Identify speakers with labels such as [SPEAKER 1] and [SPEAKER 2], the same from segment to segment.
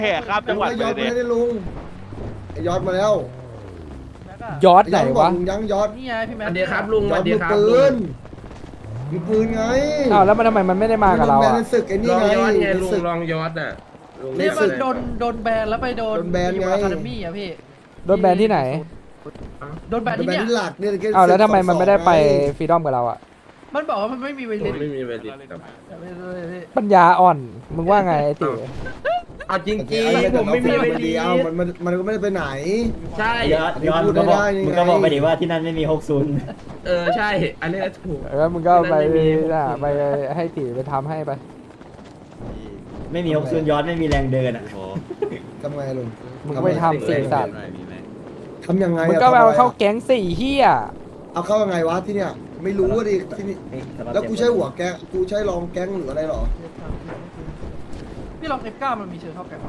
[SPEAKER 1] แห่ข้ามจังหวัด
[SPEAKER 2] ย
[SPEAKER 1] ไป
[SPEAKER 2] อด
[SPEAKER 1] เลย
[SPEAKER 2] ไม่ได้ลุงไอยอดมาแล้ว
[SPEAKER 3] ยอดไหนวะ
[SPEAKER 2] ยังยอด
[SPEAKER 4] นี่ไงพี่แม
[SPEAKER 5] สวัสดีครับลุง
[SPEAKER 2] ย
[SPEAKER 5] ส
[SPEAKER 2] อ
[SPEAKER 5] วั
[SPEAKER 2] ด
[SPEAKER 5] สดี
[SPEAKER 2] มือ
[SPEAKER 5] ครับ
[SPEAKER 2] ปื
[SPEAKER 5] ลุง
[SPEAKER 2] นมือปืนไง
[SPEAKER 3] อ้าวแล้วมันทำไมมันไม่ได้มากับเรา
[SPEAKER 2] แบน
[SPEAKER 3] อ่ะ
[SPEAKER 2] ในศึกไอ้นี่
[SPEAKER 5] ลอง
[SPEAKER 2] ไง
[SPEAKER 5] ย้อนไง
[SPEAKER 2] ใน
[SPEAKER 5] ลุง
[SPEAKER 2] ศึก
[SPEAKER 5] ลองย้อนอ่ะลุง
[SPEAKER 4] นี่
[SPEAKER 5] ย้อ
[SPEAKER 4] มัน
[SPEAKER 5] เลย
[SPEAKER 4] โดนแบนแล้วไปโดน
[SPEAKER 2] โดนแบนไง
[SPEAKER 4] อะคาเดมี่อะพี่
[SPEAKER 3] โดนแบนที่ไหน
[SPEAKER 4] โดนแบน
[SPEAKER 2] เป็น
[SPEAKER 4] ที่
[SPEAKER 2] แบน
[SPEAKER 4] เนี่ย
[SPEAKER 2] ที่หลักเนี่ย
[SPEAKER 3] อ้าวแล้วทำไมมันไม่ได้ไป
[SPEAKER 2] ไง
[SPEAKER 3] ฟรีดอมกับเราอ่ะ
[SPEAKER 4] มันบอกว่ามันไม่มีเว
[SPEAKER 5] ผ
[SPEAKER 4] ลิ
[SPEAKER 5] ม
[SPEAKER 4] น
[SPEAKER 5] ไม่มีเวลิตครับ
[SPEAKER 3] ปัญญาอ่อนมึงว่าไงไอ้ติ๋ว
[SPEAKER 5] เอาจริง
[SPEAKER 2] เอา
[SPEAKER 5] ๆผมไม่มีเว
[SPEAKER 2] แต่
[SPEAKER 5] ลิ
[SPEAKER 2] เอามันก็ไม่ได้ไปไหน
[SPEAKER 5] ใช่
[SPEAKER 6] ย้อนมึงก็บอกมึงก็บอกไปดิว่าที่นั่นไม่มี
[SPEAKER 5] ใช่ อันนี้ถูก
[SPEAKER 3] แล้วมึงก็ไป
[SPEAKER 5] ที่นั่นไม่มี
[SPEAKER 3] น่ะไปให้ติ๋วไปทำให้ไป
[SPEAKER 6] 60ไม่มี60ย้อนไม่มีแรงเดินอ่ะ
[SPEAKER 2] ทำไงลุง
[SPEAKER 3] มึงก็ไปทำสี่สัตว์
[SPEAKER 2] ทำยังไง
[SPEAKER 3] มึง
[SPEAKER 2] อะ
[SPEAKER 3] ก็ไปเอา
[SPEAKER 2] ทำะไร
[SPEAKER 3] เข้า
[SPEAKER 2] อะ
[SPEAKER 3] แก๊งสี่เฮีย
[SPEAKER 2] เอาเข้ายังไงวะที่เนี่ยไม่รู้ว่าดิที่นี่แล้วกูใช้หัวแก๊งกูใช้รองแก๊งหรืออะไรหรอ
[SPEAKER 4] พี่ลอง F9 มันมีเชิญเข้าแกงไหม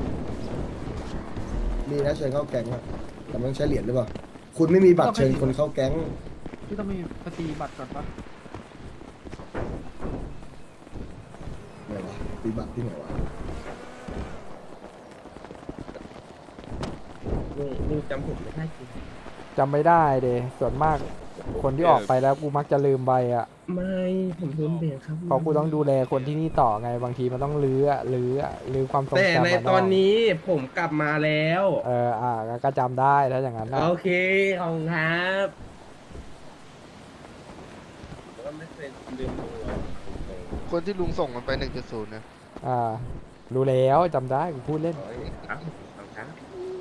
[SPEAKER 2] มีนะเชิญเข้าแก๊งอะแต่มันต้องใช้เหรียญหรือเปล่าคุณไม่มีบัตรเชิญคนเข้าแก๊ง
[SPEAKER 4] พี่ต้องมีปฏิบัติก่อนปะ
[SPEAKER 2] ไหนวะมีบัตรที่ไหนวะ
[SPEAKER 5] ลุงจำผมไม่ได้จริง
[SPEAKER 3] จำไม่ได้เดส่วนมากคนที่ออกไปแล้วกูมักจะลืมไปอ่ะ
[SPEAKER 5] ไม่ผมลืมเบรกครับ
[SPEAKER 3] เพราะกูต้องดูแลคนที่นี่ต่อไงบางทีมันต้องลื้อความทรง
[SPEAKER 5] แต่
[SPEAKER 3] จำ
[SPEAKER 5] ใน
[SPEAKER 3] อะเาะ
[SPEAKER 5] ตอนนี้ผมกลับมาแล้ว
[SPEAKER 3] ก็จำได้ถ้าอย่างนั้นนะ
[SPEAKER 5] โอเคขอบคุณครับผมก็ไม่เคยลืมดูอะ
[SPEAKER 7] คนที่ลุงส่งมันไป 1.0นะ
[SPEAKER 3] รู้แล้วจำได้กูพูดเล่น
[SPEAKER 5] ครับขอบคุณครับ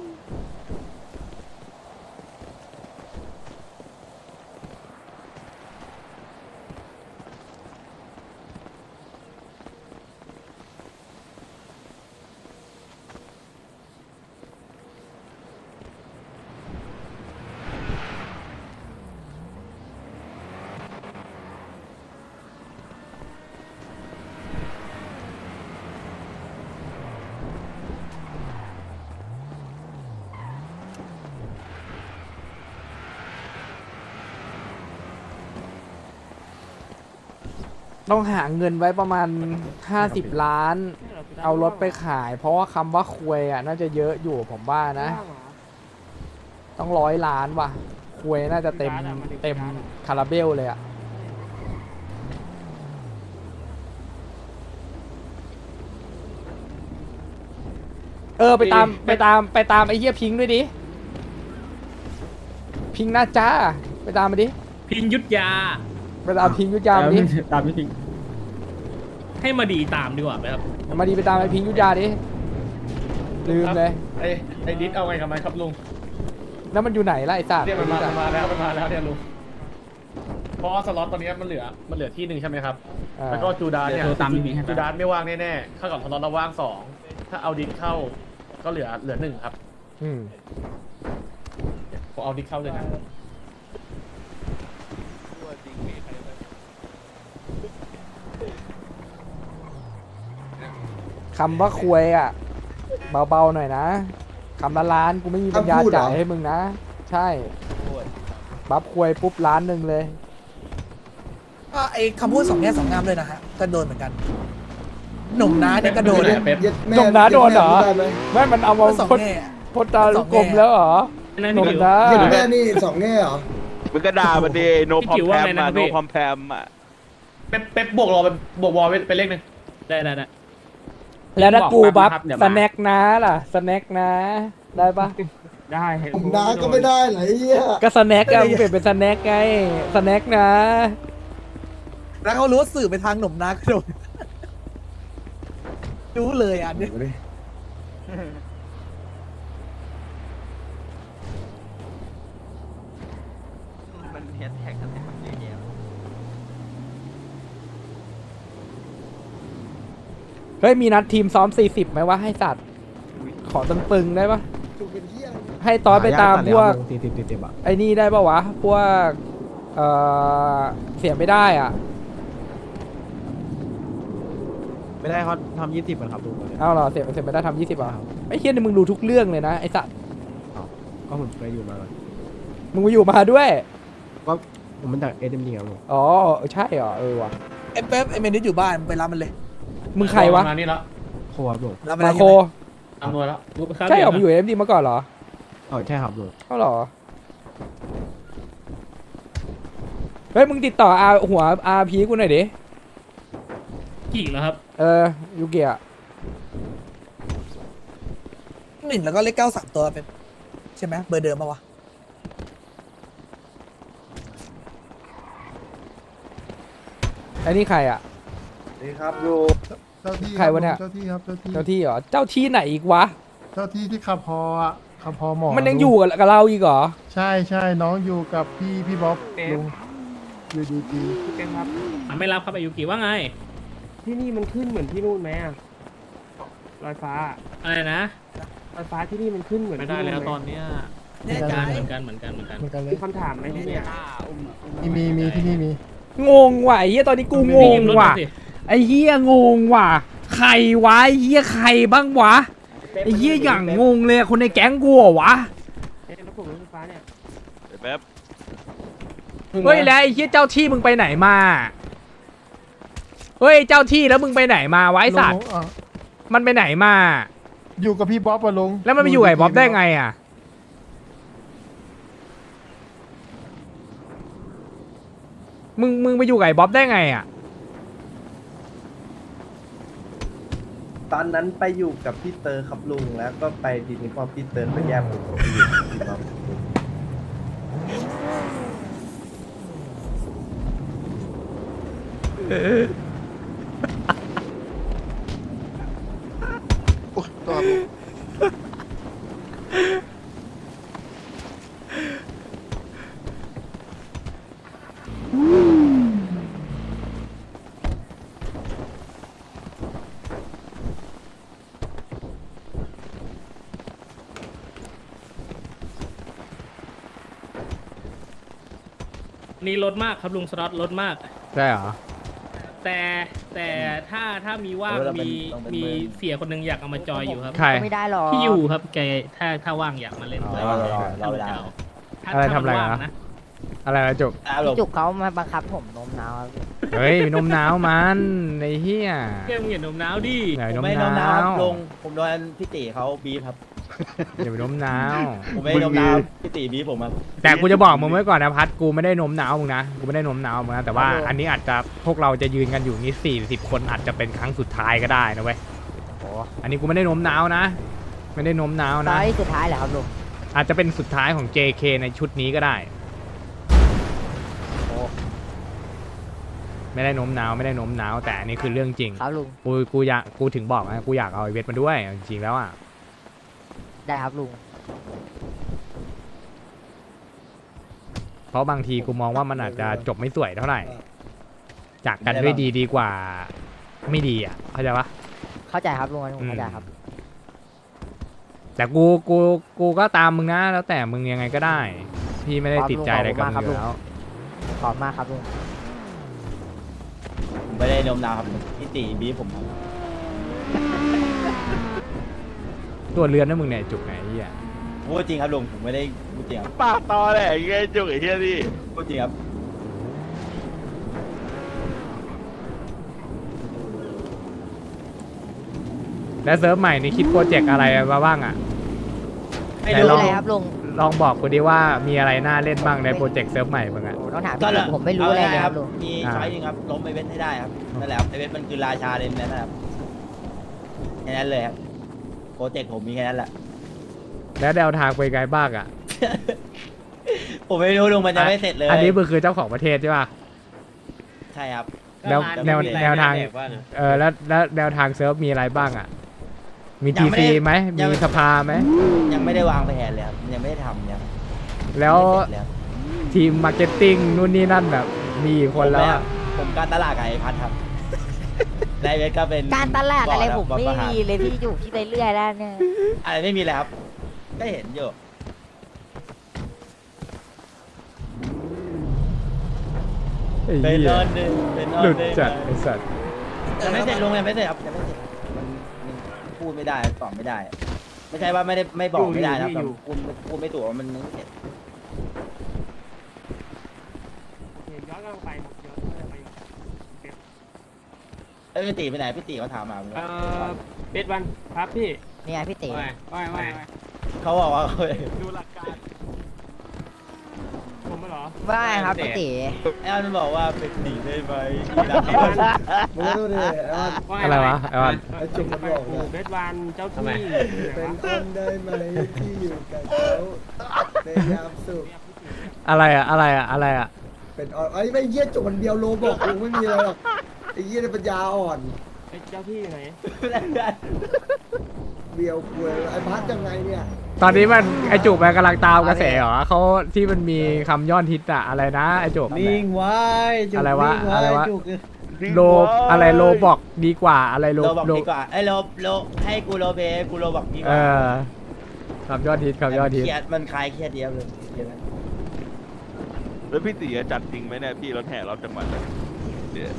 [SPEAKER 3] ต้องหาเงินไว้ประมาณ50 ล้าน เอารถไปขาย เพราะว่าคำว่าควยอ่ะน่าจะเยอะอยู่ผมว่านะ ต้อง100 ล้านว่ะควยน่าจะเต็มคาราเบลเลยอ่ะไปตามไอ้เหี้ยพิงค์ด้วยดิพิงค์น่าจ้าไปตามมาดิ
[SPEAKER 8] พิงยุทธยา
[SPEAKER 3] ไปตามพิงค์ยุทธยามาดิ
[SPEAKER 6] ตามพี่พิง
[SPEAKER 8] ให้มาดีตามดีกว่าไหมครับ
[SPEAKER 3] มาดีไปตามไอ้พิงค์ยุทธยาดิลืมเลย
[SPEAKER 8] ไอ้ดิสเอาไงกับมันครับลุง
[SPEAKER 3] แล้วมันอยู่ไหนล่ะไอ้สัตว์
[SPEAKER 8] เนี่ยมันมาแล้วเนี่ยลุงเพราะว่าสล็อตตอนนี้มันเหลือที่หนึ่งใช่ไหมครับแล้วก็จูดานเนี่ยจูดานไม่ว่างแน่ๆเข้ากับสล็อตเราว่าง2ถ้าเอาดิสเข้าก็เหลือ1ครับ
[SPEAKER 3] อืม
[SPEAKER 8] ผมเอาดิสเข้าเลยนะ
[SPEAKER 3] คำว่าควยอ่ะเบาๆหน่อยนะคำละล้านกูไม่มีปัญญาจ่ายให้มึงนะ ใช่บัฟควยปุ๊บล้านหนึ่งเลย
[SPEAKER 9] ไอ้คำพูด2 แง่ 2 งามเลยนะฮะก็โดนเหมือนกัน หนุ่มน้าเนี่ยก็โดน
[SPEAKER 2] เย็ดแม่
[SPEAKER 3] จมน้าโดนเหรอ
[SPEAKER 2] ได้ไหม
[SPEAKER 3] ไม่มันเอามา
[SPEAKER 9] สอง
[SPEAKER 3] พด
[SPEAKER 9] แง่
[SPEAKER 3] พดตาลูกกลมแล้วเหรอ
[SPEAKER 8] นั่น
[SPEAKER 3] หนุ่ม
[SPEAKER 8] นี่
[SPEAKER 3] นะ
[SPEAKER 2] เย็ดแม่นี่สองแง่เหรอ
[SPEAKER 1] มึงก็ด่ามันดิโนพอมแพมอะโนพอมแพมอะ
[SPEAKER 8] เป๊ปบวกรอเป็นบวกวอลเป็นเลขหนึ่งได้
[SPEAKER 3] แล้วถ้ากูบัฟ
[SPEAKER 8] เดี๋ยว
[SPEAKER 3] ส
[SPEAKER 8] มา
[SPEAKER 3] แน็คนะล่ะสแน็คนะ ได้ปะ
[SPEAKER 8] ได้
[SPEAKER 2] ผมน้าก็ไม่ได้เหรอไอ้เหี้ย
[SPEAKER 3] ก็สแน็คอะมึงเปลี่ยนเป็นสแน็คไงสแน็คนะ
[SPEAKER 9] แล้วเขารู้ว่าสื่อไปทางหนุ่มน้าก็โดนรู้เลยอ่ะเนี่ย
[SPEAKER 6] มันแฮชแท็กอะไรมันเยอะแยะ
[SPEAKER 3] เฮ้ยมีนัดทีมซ้อม40ไหมวะให้สัตว์ขอตึงๆได้ปะ
[SPEAKER 2] ถูกเป็นเหี้ยอะไร
[SPEAKER 3] ให้ตอนไปตามพวก
[SPEAKER 6] 40อ่ะ
[SPEAKER 3] ไอ้นี่ได้ปะวะพวกเสียไม่ได้อ่ะ
[SPEAKER 6] ไม่ได้เขาทำ20มันครับลุง
[SPEAKER 3] เอาเหรอเสียไม่ได้ทำ20อ่ะไอ้เฮียนี่มึงรู้ทุกเรื่องเลยนะไอ้สัตว์
[SPEAKER 6] ก็ผมเคยอยู่มา
[SPEAKER 3] มึงมาอยู่มาด้วย
[SPEAKER 6] ก็ผมมันจากSMDครับลุง
[SPEAKER 3] อ๋อใช่เหรอว่ะ
[SPEAKER 9] ไอ้เป๊ปไอ้เมนิสอยู่บ้านไปรับมันเลย
[SPEAKER 3] มึงใครวะ
[SPEAKER 8] มานี่แล้ว
[SPEAKER 6] โคครับลุง
[SPEAKER 9] รับมัน
[SPEAKER 3] มา
[SPEAKER 9] ได้
[SPEAKER 3] โค
[SPEAKER 9] ยังไง
[SPEAKER 8] อำนวยแล้ว
[SPEAKER 3] ใช่เหรอมึงอยู่ AFD มาก่อนเหรอ
[SPEAKER 1] อ๋อใช่ครับลุง
[SPEAKER 3] เขาเหรอเฮ้ยมึงติดต่อหัว RP กูหน่อยดิ
[SPEAKER 8] กี่แล้วครับ
[SPEAKER 3] ยูเกีย
[SPEAKER 9] หนึ่งแล้วก็เลขเก้า3ตัวเป็นใช่ไหมเบอร์เดิมปะวะ
[SPEAKER 3] ไอ้นี่ใครอ่ะ
[SPEAKER 2] นี่ครับลุง
[SPEAKER 10] เจ้าที่
[SPEAKER 3] ใครวะเนี่ย
[SPEAKER 10] เจ้าที่ครับเจ้าที่
[SPEAKER 3] เจ้าที่เหรอเจ้าที่ไหนอีกวะ
[SPEAKER 10] เจ้าที่ที่ขับพออ่ะขับพอหมอ
[SPEAKER 3] มันยังอยู่กับเราอีกเหรอ
[SPEAKER 10] ใช่ใช่น้องอยู่กับพี่บ๊อบลุงอยู่ดี
[SPEAKER 8] ไม่รับครับอายุกี่ว่าไง
[SPEAKER 5] ที่นี่มันขึ้นเหมือนที่นู่นไหมอะลอยฟ้า
[SPEAKER 8] อะไรนะ
[SPEAKER 5] ลอยฟ้าที่นี่มันขึ้นเหมือน
[SPEAKER 8] ไม่ได้แล้วตอนเนี้ย
[SPEAKER 9] แน่ใจ
[SPEAKER 8] เหมือนกัน
[SPEAKER 10] เหมือนกันเล
[SPEAKER 5] มี
[SPEAKER 10] ย
[SPEAKER 5] คำถามไหมที่เนี่ย
[SPEAKER 10] มีที่นี่มี
[SPEAKER 3] งงว่ะไอ้เหี้ยตอนนี้กูงงว่ะไอ้เหี้ยงงว่ะใครวะไอ้เหี้ยใครบ้างวะไอ้เหี้ยอย่างงงเลยคนในแก๊งกูเหรอวะ
[SPEAKER 5] รถผมรถไฟฟ้าเนี่ย
[SPEAKER 1] แป๊บ
[SPEAKER 3] เฮ้ยแล้วไอ้เหี้ยเจ้าที่มึงไปไหนมาเฮ้ยเจ้าที่แล้วมึงไปไหนมาไวะไอ้สัตว์
[SPEAKER 10] ลุงอ่ะ
[SPEAKER 3] มันไปไหนมา
[SPEAKER 10] อยู่กับพี่บ๊อบอะลุง
[SPEAKER 3] แล้วมันไปอยู่กับไอ้บ๊อบได้ไงอ่ะมึงไปอยู่กับไอ้บ๊อบได้ไงอ่ะ
[SPEAKER 6] ตอนนั้นไปอยู่กับพี่เตอร์ครับลุงแล้วก็ไปทีนี้พอพี่เตอร์ไปแยกผมไปอยู่กับพี่บ๊อบ
[SPEAKER 7] โอ้ยตัวครับลุง
[SPEAKER 8] นี่ลดมากครับลุงสล็อตลดมาก
[SPEAKER 3] ใช่เหรอ
[SPEAKER 8] แต่ถ้ามีว่างมีเสียคนหนึงอยากเอามาจอยอยู่ครับ
[SPEAKER 3] ใคร
[SPEAKER 11] ไม่ได้หรอก
[SPEAKER 8] พี่อยู่ครับแกถ้าว่างอยากมาเล่นด้วย
[SPEAKER 6] รอเวลา
[SPEAKER 3] อะไรทำอะไรนะ อะไรนะจุก
[SPEAKER 11] พี่จุกเขามาบังคับผมโน้มน้าวครับ
[SPEAKER 3] เฮ้ยนมหนาวมันไอ้เหี้ย
[SPEAKER 8] แกมึงอย่าโน้มน้าวดิ
[SPEAKER 3] ไหนนม
[SPEAKER 6] ไม่
[SPEAKER 3] ห
[SPEAKER 6] น้อง
[SPEAKER 3] นา
[SPEAKER 6] น้าว ลุงผมโดนพี่ตีเขาบีบครับ
[SPEAKER 3] อย่าไปนมหนาว
[SPEAKER 6] ผมไม่ได้น้องน้าวพี่ตีบีบผมครับ
[SPEAKER 3] แต่กูจะบอกมึงไว้ก่อนนะพัดกูไม่ได้นมหนาวมึงนะกูไม่ได้นมหนาวมึงนะแต่ว่าอันนี้อาจจะพวกเราจะยืนกันอยู่นี่40 คนอาจจะเป็นครั้งสุดท้ายก็ได้นะเว้ยอันนี้กูไม่ได้นมหนาวนะ ไม่ได้นมหนาว
[SPEAKER 11] ตอ
[SPEAKER 3] นะ
[SPEAKER 11] นที่สุดท้ายเหรอครับลุง
[SPEAKER 3] อาจจะเป็นสุดท้ายของ JK ในชุดนี้ก็ได้ไม่ได้นมหนาวไม่ได้นมหนาวแต่อันนี้คือเรื่องจริง
[SPEAKER 11] ครับลุง
[SPEAKER 3] กูถึงบอกนะกูอยากเอาไอเวทมาด้วยจริงๆแล้วอ่ะ
[SPEAKER 11] ได้ครับลุง
[SPEAKER 3] เพราะบางทีกูมองว่ามันอาจจะจบไม่สวยเท่าไหร่ จากกันด้วยดีดีกว่าไม่ดีอ่ะเข้าใจปะ
[SPEAKER 11] เข้าใจครับลุงเข้าใจครับ
[SPEAKER 3] แต่กูก็ตามมึงนะแล้วแต่มึงยังไงก็ได้ พี่ไม่ได้ติดใจอะไรกับมึงอยู่แล้ว
[SPEAKER 11] ขอบมากครับลุง
[SPEAKER 6] ผมไม่ได้น้องน้าวครับพี่ตีบีบผมครับ
[SPEAKER 3] ตัวเรือนนะมึงเนี่ยจุกไหนไอ้เหี้ย
[SPEAKER 6] พูดจริงครับลุงผมไม่ได้พูดจริงครับ
[SPEAKER 1] ปากตอแหละไอ้เงี้ยจุกไอ้เหี้ยนี่
[SPEAKER 6] พูดจริงครับ
[SPEAKER 3] แล้วเซิร์ฟใหม่นี่คิดโปรเจกต์อะไรมาบ้างอ่ะ
[SPEAKER 11] ไม่รู้เลยครับลุง
[SPEAKER 3] ลองบอกกูดิว่ามีอะไรน่าเล่นบ้างในโปรเจกต์เซิร์ฟใหม่มึงอ่ะ
[SPEAKER 11] ต้องถามพี่จุกผมไม่รู้อะไรเลยครับลุง
[SPEAKER 6] มีช้อยหนึงครับล้มไอเวทให้ได้ครับนั่นแหละครับไอเวทมันคือราชาเลยนะครับแค่นั้นเลยครับโปรเจกต์ผมมีแค่นั้นแหละ
[SPEAKER 3] แล้วแนวทางไปไงบ้างอ่ะ
[SPEAKER 6] ผมไม่รู้ลุงมันยังไม่เสร็จเลย
[SPEAKER 3] อันนี้มึงคือเจ้าของประเทศใช่ป่ะ
[SPEAKER 6] ใช่ครับ
[SPEAKER 3] แล้วแนวทางแล้วแนวทางเซิร์ฟมีอะไรบ้างอ่ะ มีทีซีไหมมีสภาไหม
[SPEAKER 6] ยังไม่ได้วางแผนเลยครับยังไม่ได้ทำยัง
[SPEAKER 3] แล้ว
[SPEAKER 6] ไม่เสร็จเลยครับ
[SPEAKER 3] ทีมมาร์เก็ตติ้งนู่นนี่นั่นแบบมีกี่คนแล้วอะ
[SPEAKER 6] ผมการตลาดกับไอพัทครับไดเวทก็เป็น
[SPEAKER 11] การตลาดอะไร
[SPEAKER 6] บ
[SPEAKER 11] ผม
[SPEAKER 6] บ
[SPEAKER 11] ไม่
[SPEAKER 6] ประหาร
[SPEAKER 11] มีเลยพี่จุกที่ไปเรื่อยแล้วเนี่ย
[SPEAKER 6] อะไรไม่มีเลยครับ ก็เห็นอยู่
[SPEAKER 3] ไอ้
[SPEAKER 6] เป็น
[SPEAKER 3] เหี้
[SPEAKER 6] น
[SPEAKER 3] ย
[SPEAKER 6] อนหนึ่งเป็นนอน
[SPEAKER 3] หลุด
[SPEAKER 6] หนึ่ง
[SPEAKER 3] จัดไอ้สัตว์
[SPEAKER 6] ยังไม่เสร็จลุงยังไม่เสร็จครับยังไม่เสร็จมันพูดไม่ได้ตอบไม่ได้ ไม่ใช่ว่าไม่บอกไม่ได้นะครับแต่พูดไม่ถูกว่ามันยังไม่เสร็จ
[SPEAKER 5] ย้อนกลับไปย้อนไป
[SPEAKER 6] พี่ตีไปไหนพี่ตีเขาถามมา
[SPEAKER 5] เบสวันครับพี่
[SPEAKER 11] เนี่ยพี่เต๋
[SPEAKER 6] เขาบอกว่า
[SPEAKER 1] ดูหลักการ
[SPEAKER 5] ผมไม่เหรอ
[SPEAKER 11] ว่าไงครับพี่เต๋
[SPEAKER 6] ไอ้อันบอกว่าเป็นหนีได้ไหม
[SPEAKER 2] มึงก็ดูดิไอ้วัน
[SPEAKER 3] อะไรวะไอ้วัน
[SPEAKER 2] ไอ้จุกมันบอก
[SPEAKER 5] ปู่
[SPEAKER 2] ว่า
[SPEAKER 5] เบสวันเจ้าที่
[SPEAKER 2] เป็นคนได้ไหมที่อยู่กับเขาในยามสุข
[SPEAKER 3] อะไรอะอะไรอะอะไรอะ
[SPEAKER 2] เป็นไอ้ไม่เยี่ยจุกมันเดียวโลบอกกูไม่มีอะไรหรอกไอ้เยี่ยเนี่ยปัญญาอ่อน
[SPEAKER 5] ไอ้เจ้าที่อยู่ไหน
[SPEAKER 2] เบียวคุยไอ้พัดยังไงเนี่ย
[SPEAKER 3] ตอนนี้มันไอจุกมันกำลังตามกระแสเหรอเขาที่มันมีคำยอดฮิตอะอะไรนะไอจุก
[SPEAKER 6] นิ่งไว้จุก
[SPEAKER 3] อะไรวะ
[SPEAKER 6] นิ่ง
[SPEAKER 3] อะไรวะ
[SPEAKER 6] จุก
[SPEAKER 3] โลอะไรโลบอกดีกว่าอะไรโล
[SPEAKER 6] โลบอกดีกว่าไอ้โลให้กูโลเบกูโลบอกดีก
[SPEAKER 3] เอ
[SPEAKER 6] ว่า
[SPEAKER 3] อคำยอดฮิตคำยอดฮิต
[SPEAKER 6] เครียดมันคลายเครียดเดียวเลยเครียดไหม
[SPEAKER 1] แล้วพี่ตีจะจัดจริงไหมเนี่ยพี่รถแห่รอบจังหวัดเนี่ยเดี๋ยว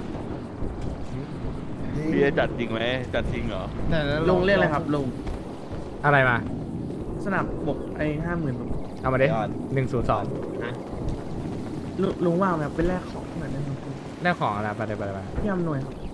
[SPEAKER 1] พี่จะจัดจริงไหมจัดจริงเหรอ
[SPEAKER 4] ลุงเรียกอะไรครับลุง
[SPEAKER 3] อะไรมา
[SPEAKER 4] สนับบกไอ้50,000
[SPEAKER 3] เอามาดิ102
[SPEAKER 4] ลุงว่างไหมเป็นแรกของเหมือนเดิม
[SPEAKER 3] ได้ของอะไรไปเลยไปเลยไป
[SPEAKER 4] พี่อำนวยครับ